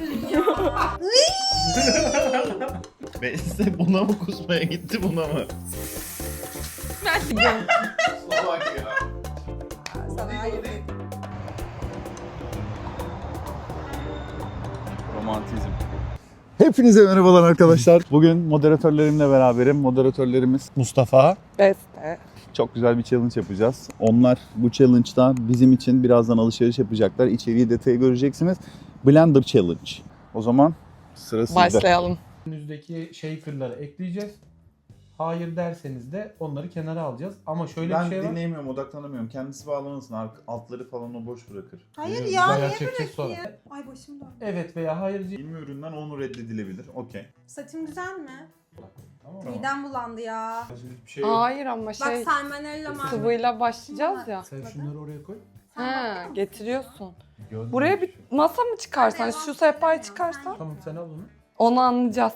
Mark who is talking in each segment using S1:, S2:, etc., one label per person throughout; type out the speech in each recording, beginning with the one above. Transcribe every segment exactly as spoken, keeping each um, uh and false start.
S1: yapıyorsun ya?
S2: Beste buna mı kusmaya gitti buna mı?
S1: Ben gidiyorum.
S2: Salak ya.
S1: Sana hayır dedim.
S2: Romantizm. Hepinize merhabalar arkadaşlar. Bugün moderatörlerimle beraberim. Moderatörlerimiz Mustafa.
S1: Beste.
S2: Çok güzel bir challenge yapacağız. Onlar bu challenge'da bizim için birazdan alışveriş yapacaklar. İçeriği detayı göreceksiniz. Blender Challenge. O zaman sıra sizde.
S1: Başlayalım.
S3: Önünüzdeki shaker'ları ekleyeceğiz. Hayır derseniz de onları kenara alacağız. Ama şöyle
S2: Ben
S3: bir şey var.
S2: dinleyemiyorum, odaklanamıyorum. Kendisi bağlamasın. Altları falan o boş bırakır.
S1: Hayır
S2: Biliyor
S1: ya,
S2: musun?
S3: Bayağı
S1: niye
S3: çekeceğiz sonra.
S1: bırakayım? Ay başım döndü.
S3: Evet veya hayır.
S2: Bilme üründen onu reddedilebilir. Okey.
S1: Saçım güzel mi?
S3: Tamam mı?
S1: Midem bulandı ya.
S3: Bir şey yok.
S4: Hayır ama
S1: Bak
S4: şey
S1: salmonella var.
S4: sıvıyla başlayacağız ya.
S3: Sen şunları oraya koy.
S4: Ha, getiriyorsun.
S2: Görmemiş.
S4: Buraya bir masa mı çıkarsan,
S1: Hadi,
S4: şu sehpayı
S1: sen-
S4: çıkarsan
S3: Tamam sen al onu.
S4: onu anlayacağız.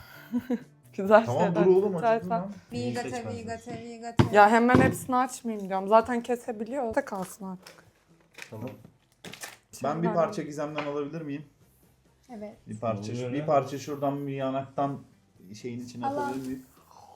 S4: Güzel
S2: Tamam
S4: şeyler.
S2: dur oğlum
S4: Güzel
S2: acıktın
S4: sen-
S2: lan.
S1: Vigate, vigate, vigate.
S4: Ya hemen hepsini açmayayım diyorum. Zaten kesebiliyor. Da kalsın artık.
S2: Tamam. Ben bir parça gizemden alabilir miyim?
S1: Evet.
S2: Bir parça,
S3: Oluyor
S2: bir
S3: ya.
S2: parça şuradan bir yanaktan şeyin içine
S1: Allah.
S2: atabilir miyim?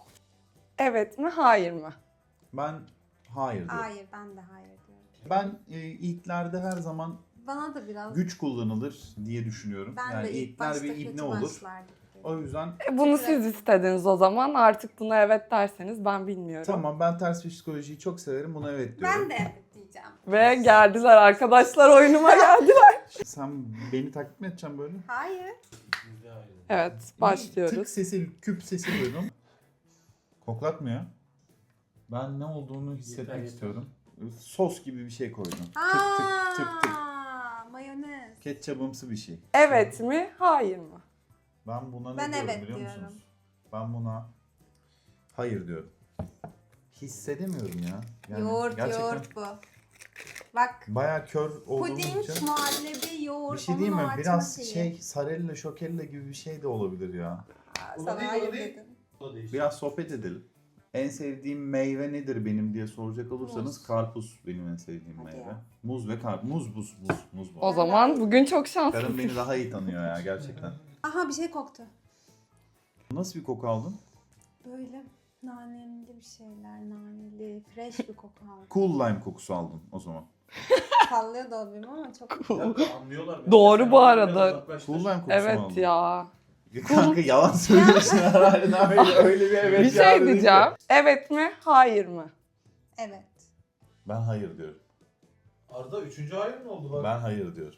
S4: Evet mi, hayır mı?
S2: Ben hayır diyorum.
S1: Hayır, ben de hayır diyorum.
S2: Ben e, ilklerde her zaman
S1: Bana da biraz.
S2: güç kullanılır diye düşünüyorum.
S1: Ben
S2: yani
S1: de ilk
S2: ilkler
S1: başta
S2: bir
S1: kötü
S2: ibne olur.
S1: başlardım.
S2: O yüzden
S4: E, bunu siz istediniz o zaman. Artık buna evet derseniz ben bilmiyorum.
S2: tamam, ben ters psikolojiyi çok severim. Buna evet diyorum.
S1: Ben de evet diyeceğim.
S4: Ve geldiler arkadaşlar, oyunuma geldiler.
S2: Sen beni taklit mi edeceksin böyle?
S1: Hayır.
S4: Evet,
S2: Tık
S4: başlıyoruz.
S2: sesi, küp sesi duydum. Koklatmıyor. Ben ne olduğunu hissetmek
S3: Yeter, yeter.
S2: istiyorum. Sos gibi bir şey koydum. Tık
S1: Aa,
S2: tık tık tık.
S1: mayonez.
S2: Ketçabımsı bir şey.
S4: Evet mi, hayır mı?
S2: Ben buna ne
S1: Ben
S2: diyorum
S1: evet
S2: biliyor
S1: diyorum.
S2: musunuz? Ben buna hayır diyorum. Hissedemiyorum ya. Yani
S1: yoğurt,
S2: gerçekten
S1: yoğurt bu. Bak.
S2: bayağı kör olduğum
S1: Puding,
S2: için.
S1: muhallebi, yoğurt.
S2: Bir şey diyeyim mi?
S1: onun
S2: Biraz
S1: açma şeyi.
S2: şey sarella şokella gibi bir şey de olabilir ya.
S1: Aa,
S3: O da
S1: sana
S3: değil, o
S1: hayır
S3: da değil.
S1: dedim.
S3: O değişik.
S2: Biraz sohbet edelim. En sevdiğim meyve nedir benim diye soracak olursanız
S1: Muz.
S2: karpuz benim en sevdiğim
S1: Hadi
S2: meyve.
S1: ya.
S2: Muz ve karpuz. Muz, buz, buz, muz bu.
S4: O zaman bugün çok
S2: Karım
S4: şanslısın.
S2: beni daha iyi tanıyor ya gerçekten.
S1: Aha bir şey koktu.
S2: Nasıl bir koku aldın?
S1: Böyle naneli bir şeyler, naneli, fresh bir koku aldım.
S2: Cool lime kokusu aldım o zaman.
S1: Sallıyor da olabilirim ama çok
S3: Ya, anlıyorlar.
S4: Doğru
S3: Sen
S4: bu
S3: onu
S4: arada.
S3: biraz uzaklaştır.
S2: Cool lime kokusu mu
S4: Evet
S2: aldın?
S4: ya.
S2: Kanka yalan söylüyorsun herhalde. Öyle, öyle bir evet
S4: Bir
S2: ya
S4: şey
S2: dedin ki.
S4: diyeceğim. Evet mi, hayır mı?
S1: evet.
S2: Ben hayır diyorum.
S3: Arda üçüncü hayır mı oldu bak?
S2: Ben hayır diyorum.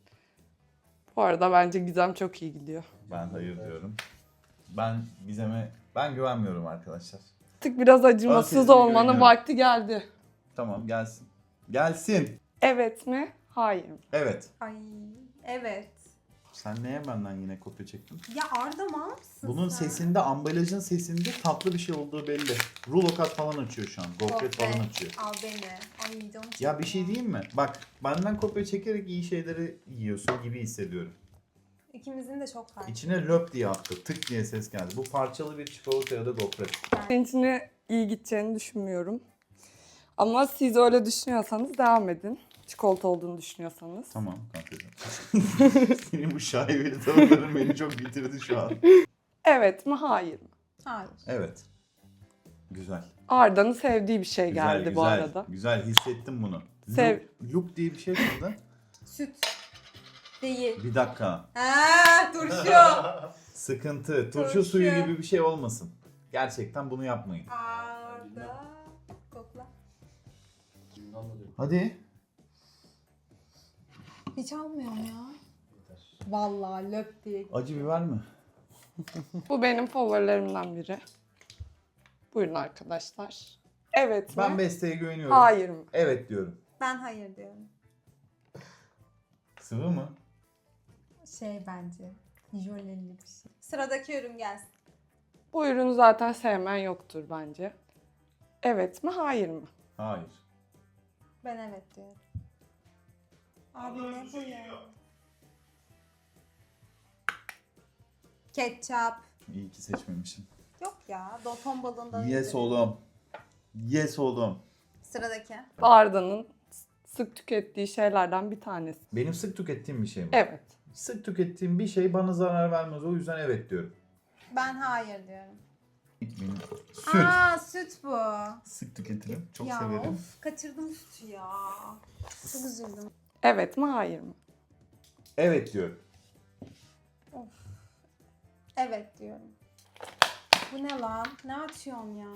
S4: Bu arada bence Gizem çok iyi gidiyor.
S2: Ben hayır diyorum. Ben Gizem'e ben güvenmiyorum arkadaşlar.
S4: Artık biraz
S2: Ben
S4: acımasız
S2: sesine
S4: olmanın
S2: güveniyorum.
S4: vakti geldi.
S2: Tamam gelsin. Gelsin.
S4: Evet mi, hayır mı?
S2: Evet.
S1: Ay evet.
S2: Sen neye benden yine kopya çektin?
S1: Ya Arda mal mısın
S2: Bunun
S1: sen?
S2: sesinde, ambalajın sesinde tatlı bir şey olduğu belli. Rulo kat falan açıyor şu an. Gofret
S1: Gofret.
S2: falan açıyor.
S1: Al beni. Ay canım
S2: Ya bir şey diyeyim mi? Bak benden kopya çekerek iyi şeyleri yiyorsun gibi hissediyorum.
S1: İkimizin de çok farklı.
S2: İçine löp diye attı. Tık diye ses geldi. Bu parçalı bir çikolata ya da gofret.
S4: Senin içine iyi gideceğini düşünmüyorum. Ama siz öyle düşünüyorsanız devam edin. Çikolata olduğunu düşünüyorsanız.
S2: Tamam kankacığım. Senin bu şaibeli tavırların beni çok bitirdi şu an.
S4: Evet mi, hayır mı?
S1: Hayır.
S2: Evet. Güzel.
S4: Arda'nın sevdiği bir şey
S2: Güzel,
S4: geldi
S2: güzel,
S4: bu arada.
S2: Güzel hissettim bunu.
S4: Sev-
S2: Loop, loop diye bir şey çıktı.
S1: Süt. Değil.
S2: Bir dakika.
S1: Ha turşu.
S2: Sıkıntı. Turşu
S1: Turşu.
S2: suyu gibi bir şey olmasın. Gerçekten bunu yapmayın.
S1: Arda. Kokla.
S2: Hadi.
S1: Hiç almıyorum ya. Vallahi löp diye.
S2: Acı biber mi?
S4: Bu benim favorilerimden biri. Buyurun arkadaşlar. Evet mi?
S2: Ben Beste'ye güveniyorum.
S4: Hayır mı?
S2: Evet diyorum.
S1: Ben hayır diyorum.
S2: Sıvı mı?
S1: Şey bence. Jöleli bir şey. Sıradaki ürün gelsin.
S4: Bu ürünü zaten sevmen yoktur bence. Evet mi, hayır mı?
S2: Hayır.
S1: Ben evet diyorum. Abi ne bu ya? Ketçap.
S2: İyi ki seçmemişim.
S1: Yok ya. Doton balığından
S2: Yes
S1: iyidir.
S2: oğlum. Yes oğlum.
S1: Sıradaki.
S4: Arda'nın sık tükettiği şeylerden bir tanesi.
S2: Benim sık tükettiğim bir şey mi?
S4: Evet.
S2: Sık tükettiğim bir şey bana zarar vermez. O yüzden evet diyorum.
S1: Ben hayır diyorum.
S2: Benim süt.
S1: Aa süt bu.
S2: Sık tüketirim. Çok
S1: ya
S2: severim.
S1: of kaçırdım sütü ya. Çok üzüldüm.
S4: Evet mi hayır mı?
S2: Evet diyorum.
S1: Of. Evet diyorum. Bu ne lan? Ne açıyorsun ya?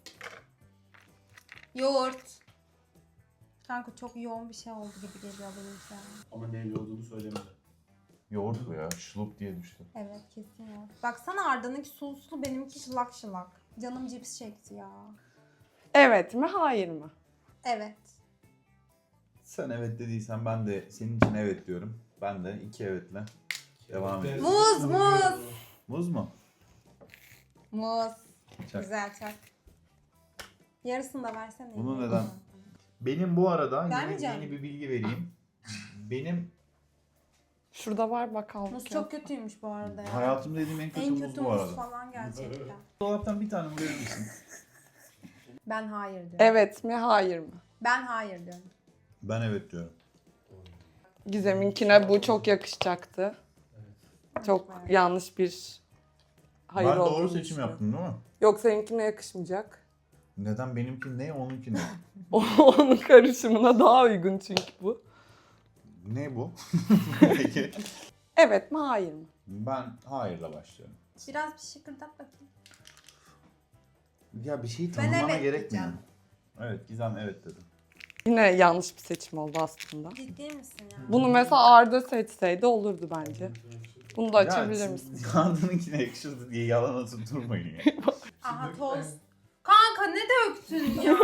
S1: Yoğurt. Kanka çok yoğun bir şey oldu gibi geliyor benim şu an.
S3: Ama neyle olduğunu söylemedi.
S2: Yoğurt bu ya. Şulup diye düştü.
S1: Evet kesin yoğurt. Baksana Arda'nınki soslu benimki şılak şılak. Canım cips çekti ya.
S4: Evet mi hayır mı?
S1: Evet.
S2: Sen evet dediysen ben de senin için evet diyorum. Ben de iki evetle devam ediyorum.
S1: Muz muz.
S2: Muz mu?
S1: Muz.
S2: Çak.
S1: Güzel çak. Yarısını da versene.
S2: Bunu neden? Benim bu arada yeni,
S1: Vermeyeceğim.
S2: yeni bir bilgi vereyim. Benim
S4: Şurada var bakalım.
S1: Muz çok kötüymüş bu arada ya.
S2: hayatımda yediğim en kötü,
S1: En
S2: muz
S1: kötü
S2: bu
S1: muz
S2: arada.
S1: falan gerçekten.
S2: Dolaptan bir tane verir misin?
S1: Ben hayır diyorum.
S4: Evet mi hayır mı?
S1: Ben hayır diyorum.
S2: Ben evet diyorum.
S4: Gizem'inkine bu çok yakışacaktı. Çok
S1: Evet.
S4: yanlış bir hayır
S2: ben doğru
S4: olduğunu
S2: seçim
S4: düşünüyorum.
S2: yaptım değil mi?
S4: Yok seninkine yakışmayacak.
S2: Neden benimki ne onunki ne?
S4: Onun karışımına daha uygun çünkü bu.
S2: Ne bu? Peki.
S4: Evet mi hayır mı?
S2: Ben hayırla başlıyorum.
S1: Biraz bir şıkırdat bakayım.
S2: Ya bir şeyi
S1: Ben
S2: tanımlama
S1: evet
S2: gerekmiyor.
S1: diyeceğim.
S2: Evet Gizem evet dedi.
S4: Yine yanlış bir seçim oldu aslında.
S1: Ciddi misin ya?
S4: Bunu mesela Arda seçseydi olurdu bence. Bunu da açabilir
S2: Ya,
S4: misin?
S2: Arda'nınkine yakışırdı diye yalan atıp durmayın ya.
S1: Aha toz. Kanka ne döktün ya?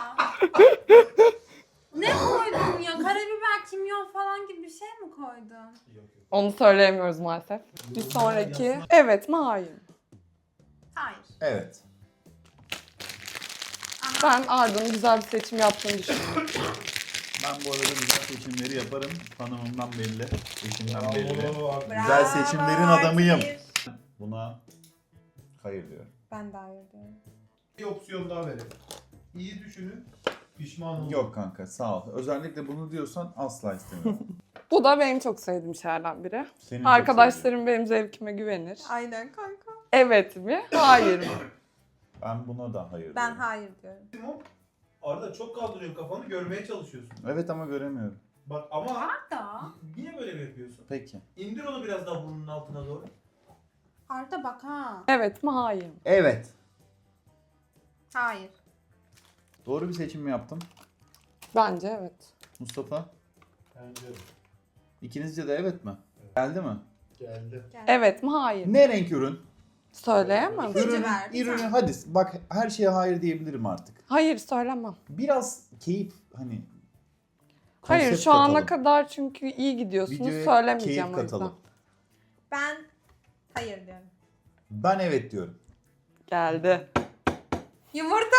S1: Ne koydun ya? Karabiber, kimyon falan gibi bir şey mi koydun?
S4: Onu söyleyemiyoruz maalesef. Bir sonraki evet mi hayır mı?
S1: Hayır.
S2: Evet.
S4: Ben Arda'nın güzel bir seçim yaptığını düşünüyorum.
S2: Ben bu arada güzel seçimleri yaparım. Tanımımdan belli. Eşimden belli.
S1: Bravo,
S2: Güzel seçimlerin adamıyım.
S1: Artvin.
S2: Buna hayır diyorum.
S1: Ben de hayır diyorum.
S3: Bir opsiyon daha verelim. İyi düşünün. Pişman olun.
S2: Yok kanka sağ ol. Özellikle bunu diyorsan asla istemiyorum.
S4: Bu da benim çok sevdiğim şeylerden biri.
S2: Senin çok
S4: Arkadaşlarım benim zevkime güvenir.
S1: Aynen kanka.
S4: Evet mi? Hayır mı?
S2: sevdiğim. Ben buna da hayır
S1: Ben
S2: diyorum.
S1: hayır diyorum.
S3: Arada çok kaldırıyorsun kafanı, görmeye çalışıyorsun.
S2: Evet ama göremiyorum.
S3: Bak ama
S1: Arda.
S3: niye böyle mi yapıyorsun?
S2: Peki.
S3: İndir onu biraz daha burnunun altına doğru.
S1: Arda bak ha.
S4: Evet mi? Hayır mı?
S2: Evet.
S1: Hayır.
S2: Doğru bir seçim mi yaptım?
S4: Bence evet.
S2: Mustafa?
S3: Bence
S2: İkinizce de evet mi? Geldi mi?
S3: geldi.
S1: Gel.
S4: Evet mi? Hayır mı?
S2: Ne renk ürün?
S4: Söyleyemem.
S1: İpucu
S2: Ürünü,
S1: ver, bir
S2: ürünü
S1: tane.
S2: hadi bak her şeye hayır diyebilirim artık.
S4: Hayır söylemem.
S2: Biraz keyif hani
S4: Hayır
S2: konsept
S4: şu ana
S2: katalım.
S4: kadar çünkü iyi gidiyorsunuz.
S2: Videoya
S4: Söylemeyeceğim
S2: keyif
S4: o yüzden.
S2: katalım.
S1: Ben hayır diyorum.
S2: Ben evet diyorum.
S4: Geldi.
S1: Yumurta.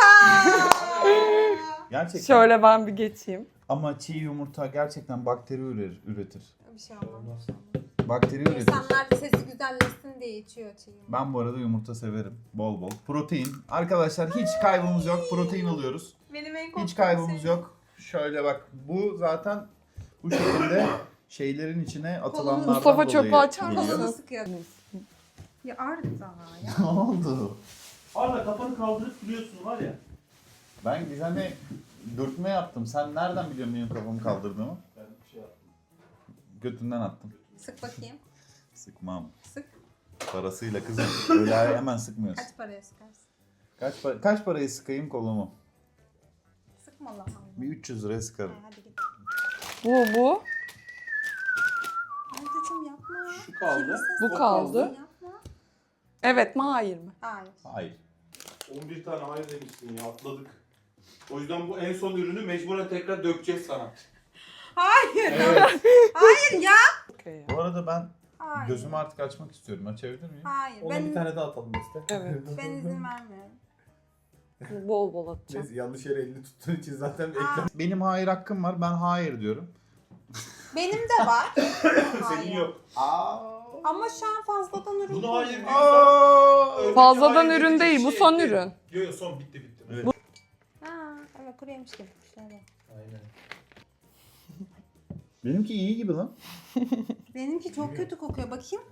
S2: Gerçekten.
S4: Şöyle ben bir geçeyim.
S2: Ama çiğ yumurta gerçekten bakteri ürer, üretir.
S1: Bir şey olmaz.
S2: Bakteri üretir.
S1: İnsanlar sesi güzelleşsin diye içiyor çiğ yumurta.
S2: Ben bu arada yumurta severim. Bol bol. Protein. Arkadaşlar hiç kaybımız yok. Protein alıyoruz.
S1: Benim en korktuğum
S2: Hiç kaybımız
S1: şey.
S2: yok. Şöyle bak. Bu zaten bu şekilde şeylerin içine atılanlardan
S4: Mustafa
S2: dolayı
S4: çöpü açar
S2: geliyor.
S4: mısın?
S1: Kolunu sıkıyor. Ya Arda ya.
S2: Ne oldu?
S3: Arda kafanı kaldırıp duruyorsun var ya.
S2: Ben Gizem'e dürtme yaptım. Sen nereden biliyorsun benim kafamı kaldırdığımı?
S3: Ben şey yaptım.
S2: Götünden attım.
S1: Sık bakayım.
S2: Sıkmam.
S1: Sık.
S2: Parasıyla kızım. Öyle hemen sıkmıyorsun.
S1: Kaç paraya sıkarsın?
S2: Kaç, pa- kaç parayı sıkayım kolumu?
S1: Sıkma lan.
S2: Bir üç yüz liraya sıkarım.
S1: Hadi git.
S4: Bu bu.
S1: Ardacığım yapma.
S3: Şu kaldı.
S1: Kirli ses
S4: Bu
S1: yapıyorsun,
S4: kaldı.
S1: Yapma.
S4: Evet mi? Hayır mı?
S1: Hayır.
S2: Hayır.
S3: on bir tane hayır demiştin ya, atladık. O yüzden bu en son ürünü mecburen tekrar dökeceğiz sana.
S1: Hayır.
S3: Evet.
S1: Hayır ya.
S4: Okey ya.
S2: Bu arada ben
S1: Hayır.
S2: gözümü artık açmak istiyorum. Açabilir miyim?
S1: Hayır.
S3: Ona
S1: Ben,
S3: bir tane daha atalım işte.
S4: Evet.
S1: ben izin vermiyorum.
S4: Bol bol atacağım.
S3: Neyse, yanlış yere elini tuttuğun için zaten
S1: Aa,
S3: ekran
S2: Benim hayır hakkım var. Ben hayır diyorum.
S1: benim de var.
S3: senin
S1: Hayır.
S3: yok.
S1: Ama şu an fazladan ürün
S3: Bunu hayır
S1: koyuyor.
S3: diyorsan önceki
S4: Fazladan
S3: hayır
S4: ürün
S3: dediğin
S4: değil, bu
S3: şey
S4: son
S3: ekle.
S4: ürün.
S3: Yok yok son bitti bitti.
S2: Evet.
S1: Ha, evet kuru yemiş gibi. Şöyle.
S3: Aynen.
S2: Benimki iyi gibi lan.
S1: Benimki çok kötü kokuyor. Bakayım.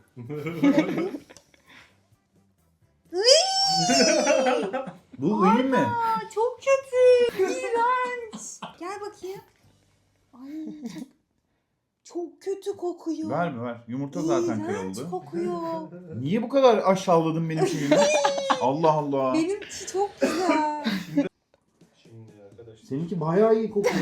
S2: Bu iyi mi?
S1: Aa, çok kötü. İğrenç. Gel bakayım. Ay çok, çok kötü kokuyor.
S2: Ver mi ver. Yumurta zaten
S1: İğrenç
S2: kırıldı.
S1: kokuyor.
S2: Niye bu kadar aşağıladın benim şeyimi? Allah Allah.
S1: Benimki çok güzel.
S3: Şimdi arkadaşlar.
S2: Seninki bayağı iyi kokuyor.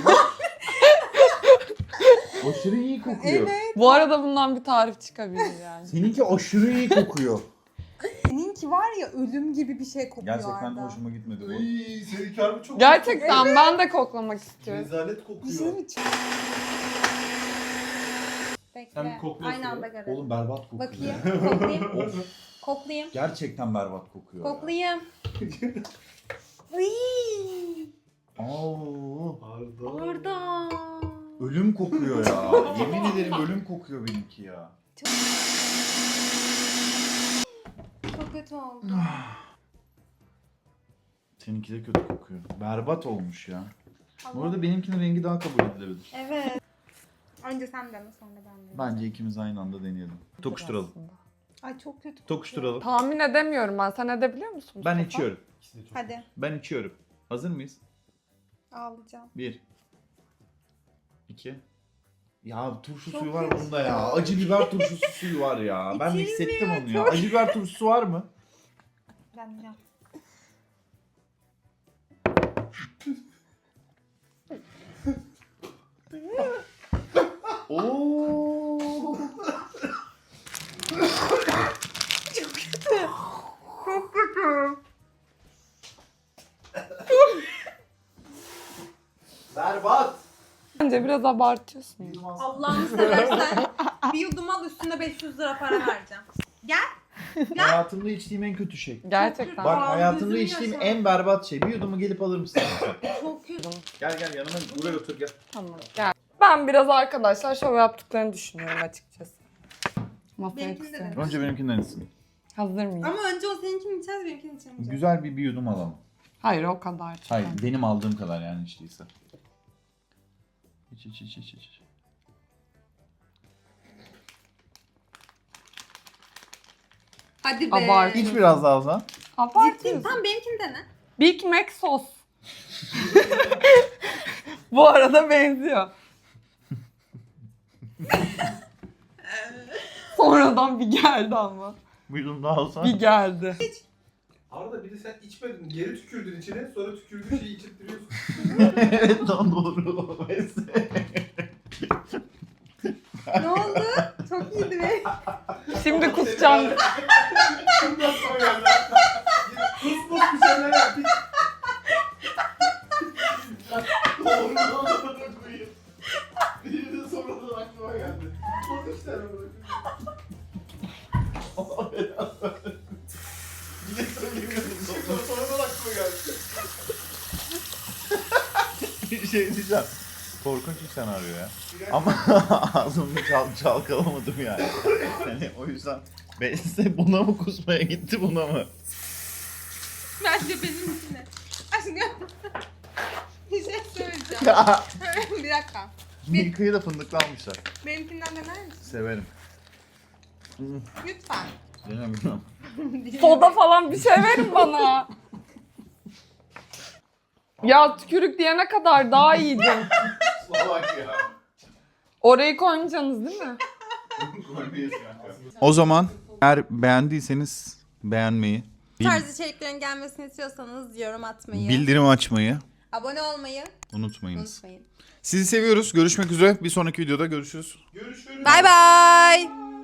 S2: Aşırı iyi kokuyor.
S1: Evet.
S4: Bu arada bundan bir tarif çıkabilir yani.
S2: Seninki aşırı iyi kokuyor.
S1: Seninki var ya ölüm gibi bir şey kokuyor
S2: Gerçekten
S1: Arda.
S2: hoşuma gitmedi bu.
S3: Iy, seninki harbi çok
S4: Gerçekten ben de koklamak istiyorum.
S3: rezalet
S1: Bir şey
S3: kokuyor.
S1: mi çık- Bekle.
S3: Sen bir kokluyorsun
S1: Aynı anda
S3: ya.
S1: görelim.
S2: Oğlum berbat kokuyor.
S1: Bakayım. Koklayayım. Koklayayım.
S2: Gerçekten berbat kokuyor. ya.
S1: Koklayayım. Iy.
S2: Aa,
S3: Arda.
S1: Arda.
S2: ölüm kokuyor ya. Yemin ederim ölüm kokuyor benimki ya.
S1: Çok kötü oldu.
S2: Seninki de kötü kokuyor. Berbat olmuş ya. Bu
S1: Tamam.
S2: arada benimkinin rengi daha kabul edilebilir.
S1: Evet. Önce sen dene sonra ben deneyeyim.
S2: Bence ikimiz aynı anda deneyelim. Tokuşturalım.
S4: Aslında.
S1: Ay çok kötü.
S2: Tokuşturalım.
S4: Tahmin edemiyorum ben. Sen edebiliyor musun?
S2: Ben
S4: Mustafa?
S2: içiyorum.
S3: İkisi de çok
S1: Hadi
S2: Ben içiyorum. Hazır mıyız?
S1: ağlayacağım.
S2: Bir. İki. Ya turşu
S1: Çok
S2: suyu var
S1: kötü.
S2: bunda ya. Acı biber turşusu suyu var ya. Ben de
S1: İçilmiyor,
S2: hissettim onu ya.
S1: çok-
S2: Acı biber turşusu var mı?
S1: Deneyeceğim.
S2: Oo.
S1: Çok kötü.
S2: Berbat.
S4: Bence biraz abartıyorsun.
S1: Allah'ını seversen bir yudum al üstüne beş yüz lira para vereceğim. Gel.
S2: Hayatımda içtiğim en kötü şey.
S4: Gerçekten.
S2: Bak
S1: Aa,
S2: hayatımda
S1: gözüm
S2: içtiğim
S1: yaşardı.
S2: en berbat şey. Bir yudumu gelip alır mısın?
S1: Çok kötü.
S2: Gel gel yanıma buraya otur gel.
S4: Tamam gel. Ben biraz arkadaşlar şov yaptıklarını düşünüyorum açıkçası. Masaya
S1: Benimkini de
S4: kısıyorum.
S1: dene.
S2: Önce benimkinden içsin.
S4: Hazır mıyım?
S1: Ama önce o seninkini içeceğiz benimkini içemeyeceğiz.
S2: Güzel bir bir yudum alalım.
S4: Hayır o kadar. çok.
S2: Hayır benim aldığım kadar yani içtiyse. İç iç iç iç iç.
S1: Hadi be.
S4: Abart.
S2: İç biraz daha o zaman.
S1: Ciddi.
S4: Abartıyorsun.
S1: Tamam benimkini dene.
S4: Big Mac sos. Bu arada benziyor. Sonradan bir geldi ama.
S2: Bir yudum daha alsana.
S4: Bir geldi.
S3: Arda bir de sen içmedin. Geri tükürdün içine. Sonra tükürdüğün şeyi içip duruyorsun.
S2: Evet lan doğru.
S1: Ne oldu? Çok iyiydi be.
S4: Şimdi kusacağım.
S3: Şundan sonra geldi. Kus kus bir şeyler yap. Doğru doğru koyayım. Bir de sonradan aklıma geldi. Bak işte bunu. Yine söylemiyorum. Sonradan aklıma geldi.
S2: Bir şey diyeceğim. Korkunç bir senaryo ya. Ama ağzımı çal çalkalamadım yani. Yani o yüzden Beyse buna mı kusmaya gitti buna mı?
S1: Bence benimkine. Aşkım. Bir şey söyleyeceğim.
S2: Ya.
S1: Bir dakika.
S2: Milka'yı da fındıklı almışlar.
S1: Benimkinden dener misin?
S2: Severim.
S1: Lütfen.
S2: Denemiyorum.
S4: Soda falan bir şey verin bana. Ya tükürük diyene kadar daha iyiydi.
S2: Salak ya.
S4: Orayı koymayacaksınız değil mi?
S2: O zaman eğer beğendiyseniz beğenmeyi,
S1: Bu tarz içeriklerin gelmesini istiyorsanız yorum atmayı,
S2: bildirim açmayı
S1: abone olmayı
S2: unutmayınız.
S1: unutmayın.
S2: Sizi seviyoruz. Görüşmek üzere. Bir sonraki videoda görüşürüz.
S3: Görüşürüz.
S1: Bay bay.